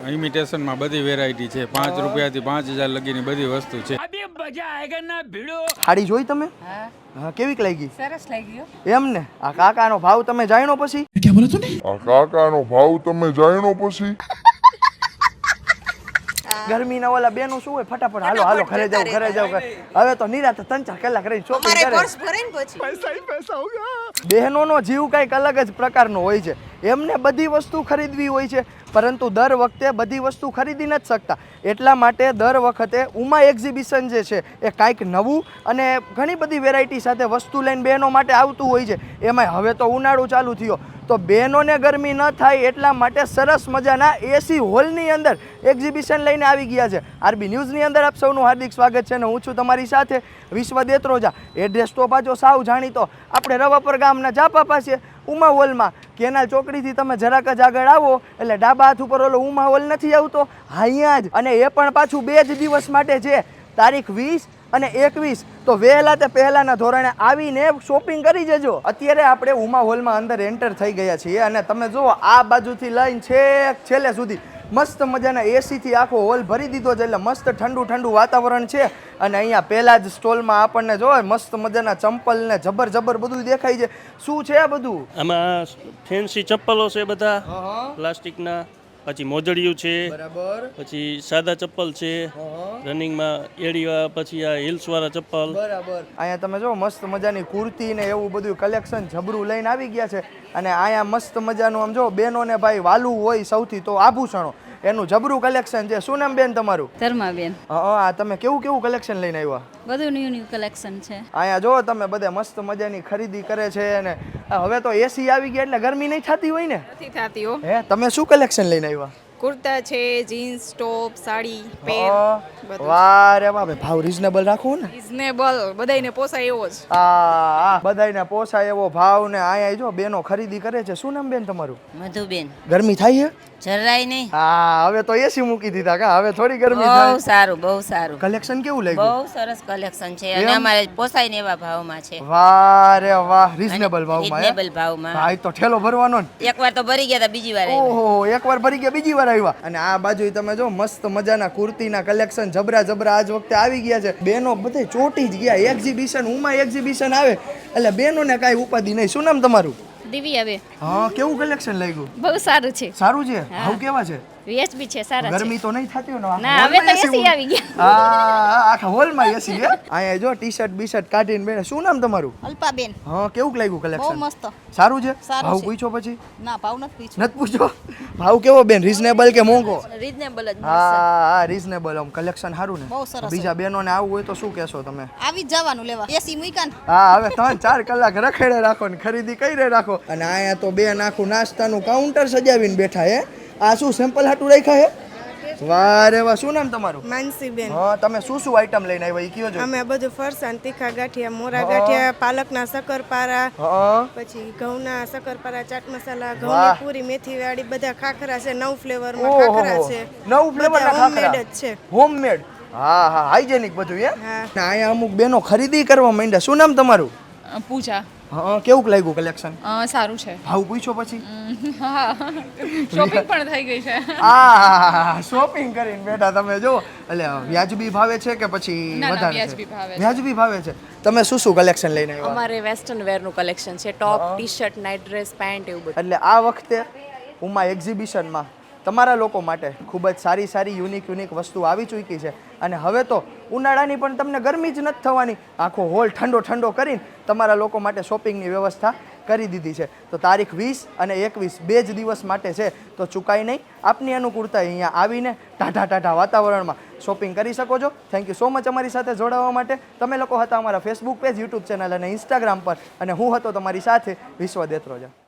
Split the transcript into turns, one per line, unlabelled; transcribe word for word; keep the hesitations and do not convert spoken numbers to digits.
ઇમિટેશનમાં બધી વેરાયટી છે. પાંચ રૂપિયાથી પાંચ હજાર લગીની બધી વસ્તુ છે.
સાડી જોઈ તમે? હા, કેવીક લાગી? સરસ લાગી. એમ ને આ કાકાનો ભાવ તમે જાણ્યો પછી?
क्या बोला तूने? આ કાકાનો ભાવ તમે જાણ્યો પછી?
ગરમી ના ઓલા બેનું શું હોય, ફટાફટ હાલો હાલો ઘરે જાવ ઘરે જાવ. હવે તો નિરાતે ત્રણ ચાર કલાક રહી શોપિંગ કરે. પૈસા હી પૈસા હો ગયા. બહેનોનો જીવ કઈક અલગ જ પ્રકારનો હોય છે. એમને બધી વસ્તુ ખરીદવી હોય છે, પરંતુ દર વખતે બધી વસ્તુ ખરીદી નથી શકતા. એટલા માટે દર વખતે ઉમા એક્ઝિબિશન જે છે એ કાંઈક નવું અને ઘણી બધી વેરાયટી સાથે વસ્તુ લઈને બહેનો માટે આવતું હોય છે. એમાંય હવે તો ઉનાળો ચાલુ થયો તો બહેનોને ગરમી ન થાય એટલા માટે સરસ મજાના એસી હોલની અંદર એક્ઝિબિશન લઈને આવી ગયા છે. આરબી ન્યૂઝની અંદર આપ સૌનું હાર્દિક સ્વાગત છે અને હું છું તમારી સાથે વિશ્વ દેત્રોજા. એડ્રેસ તો પાછો સાવ જાણીતો આપણે રવાપર ગામના જાપા પાસે ઉમા હોલમાં કેનાલ ચોકડીથી તમે જરાક જ આગળ આવો એટલે ડાબા હાથ ઉપર ઓલો ઉમા હોલ નથી આવતો, અહીંયા જ. અને એ પણ પાછું બે જ દિવસ માટે છે, તારીખ વીસ અને એકવીસ. તો વહેલા તે પહેલાના ધોરણે આવીને શોપિંગ કરી જજો. અત્યારે આપણે ઉમા હોલમાં અંદર એન્ટર થઈ ગયા છીએ અને તમે જુઓ આ બાજુથી લઈને છેક છેલ્લે સુધી મસ્ત મજાના એસીથી આખો હોલ ભરી દીધો છે, એટલે મસ્ત ઠંડુ ઠંડુ વાતાવરણ છે. અને અહીંયા પહેલા જ સ્ટોલમાં આપણને જોવે મસ્ત મજાના ચંપલ ને જબર જબર બધું દેખાય છે. શું છે આ બધું?
આમાં ફેન્સી ચપ્પલો છે બધા પ્લાસ્ટિકના, પછી મોજડિયું છે, બરાબર, પછી સાદા ચપ્પલ છે રનિંગમાં એડીવા, પછી આ હિલ્સ વાળા ચપ્પલ,
બરાબર. અહીંયા તમે જો મસ્ત મજાની કુર્તી ને એવું બધું કલેક્શન જબરું લઈને આવી ગયા છે. અને અહીંયા મસ્ત મજાનું આમ જો બેનોને ભાઈ વાલું હોય સૌથી તો આભૂષણો, એનું જબરું કલેક્શન છે. શું નામ બેન તમારું?
ધર્માબેન.
હા, તમે કેવું કેવું કલેક્શન લઈને આવ્યા?
બધું ન્યુ ન્યુ કલેક્શન છે.
અહીંયા જો તમે બધે મસ્ત મજાની ખરીદી કરે છે. અને હવે તો એસી આવી ગયા એટલે ગરમી નહીં થતી હોય ને?
નથી થતી હો.
હે, તમે શું કલેક્શન લઈને આવ્યા?
કુર્તા છે, જીન્સ, ટોપ, સાડી, પેન્ટ, બધું.
વાહ રે વાહ, ભાવ રીઝનેબલ રાખો ને.
રીઝનેબલ, બધાયને પોસાય એવો જ.
આ બધાયને પોસાય એવો ભાવ. ને અહીંયા જો બેનો ખરીદી કરે છે. શું નામ બેન તમારું?
મધુબેન.
ગરમી થાય છે?
જરાય નહીં.
હા, હવે તો એસી મૂકી દીધા કા, હવે થોડી ગરમી થાય.
બહુ સારું, બહુ સારું.
કલેક્શન કેવું લાગ્યું?
બહુ સરસ કલેક્શન છે અને અમારે પોસાય ને એવા ભાવમાં છે.
વાહ રે વાહ, રીઝનેબલ ભાવમાં.
રીઝનેબલ ભાવમાં.
હા, તો ઠેલો ભરવાનો ને.
એકવાર તો ભરી ગયા હતા, બીજી વાર આવ્યા.
ઓહો, એકવાર ભરી ગયા બીજી વાર આવ્યા. અને આ બાજુ તમે જો મસ્ત મજાના કુર્તીના કલેક્શન જબરા જબરા આજ વખતે આવી ગયા છે. બેનો બધે ચોટી જ ગયા. એક્ઝિબિશન ઉમા એક્ઝિબિશન આવે એટલે બેનોને કાંઈ ઉપાધિ નહીં. શું નામ તમારું?
દિવ્યા બેન.
હા, કેવું કલેક્શન લાગ્યું?
બહુ સારું છે.
સારું છે. ભાવ કેવા છે?
વીએચબી છે, સારા છે.
ગરમી તો નહીં થતી હોય ને?
ના, હવે તો એસી આવી ગયા.
હા, આખા હોલમાં એસી છે. અહીંયા જો ટી શર્ટ બી શર્ટ કાઢીને બેન. શું નામ તમારું?
અલ્પાબેન.
હા, કેવું લાગ્યું કલેક્શન?
બહુ મસ્ત.
સારું છે.
સારું
ભાવ
છે.
પૂછો પછી?
ના, ભાવ નથી પૂછ્યો.
નથી પૂછો. ભાવ કેવો બેન? રીઝનેબલ કે મોંઘો?
રીઝનેબલ જ.
હા હા, રીઝનેબલ. આમ કલેક્શન સારું ને?
બહુ સરસ.
બીજા બહેનોને આવવું હોય તો શું કહેશો તમે?
આવી જ જવાનું લેવા. એસી મૂક્યા ને.
હા, હવે ત્રણ ચાર કલાક રખેડે રાખો ને ખરીદી કરી રાખો. અને અહીંયા તો બેન આખું નાસ્તાનું કાઉન્ટર સજાવીને બેઠા હે. આ શું સેમ્પલ હાટું રાખ્યા હે? વાહ રે વાહ. શું નામ તમારું?
માનસીબેન.
હા, તમે શું શું આઈટમ લઈને આવ્યા એ કયો છો?
અમે બધું ફરસાણ, તીખા ગાંઠિયા, મોરા ગાંઠિયા, પાલકના શક્કરપારા,
હા,
પછી ઘઉંના શક્કરપારા, ચાટ મસાલા,
વાહ.
ઘઉંની પૂરી, મેથી વાળી, બધા ખાખરા છે. નવ ફ્લેવરમાં
ઓહો,
ખાખરા છે.
નવ ફ્લેવરના
બધા homemade
ખાખરા
જ છે.
હોમમેડ. હા હા, હાઇજેનિક બધું હે.
હા.
ને અહીંયા અમુક બેનો ખરીદી કરવા માંડ્યા. શું નામ તમારું?
પૂજા.
હા, કેવું લાગ્યું કલેક્શન?
સારું છે.
ભાવ પૂછો પછી?
શોપિંગ પણ થઈ ગઈ છે.
આ શોપિંગ કરીને બેઠા તમે જો. એટલે વ્યાજબી ભાવે છે કે પછી
ના, ના,
વધારે છે?
વ્યાજબી ભાવે છે.
વ્યાજબી ભાવે છે. તમે શું શું કલેક્શન લઈને આવ્યા?
અમારે વેસ્ટર્ન વેરનું કલેક્શન છે, top, T shirt, night dress, pant, એવું બધું.
એટલે આ વખતે ઉમા એક્ઝિબિશનમાં તમારા લોકો માટે ખૂબ જ સારી સારી યુનિક યુનિક વસ્તુ આવી ચૂકી છે. અને હવે તો ઉનાળાની પણ તમને ગરમી જ નથી થવાની. આખો હોલ ઠંડો ઠંડો કરીને તમારા લોકો માટે શોપિંગની વ્યવસ્થા કરી દીધી છે. તો તારીખ વીસ અને એકવીસ બે જ દિવસ માટે છે. તો ચૂકાય નહીં. આપની અનુકૂળતા અહીંયા આવીને ટાઢા ટાઢા વાતાવરણમાં શોપિંગ કરી શકો છો. થેન્ક યુ સો મચ અમારી સાથે જોડાવા માટે. તમે લોકો હતા અમારા ફેસબુક પેજ, યુટ્યુબ ચેનલ અને ઇન્સ્ટાગ્રામ પર. અને હું હતો તમારી સાથે વિશ્વ દેત્રોજા.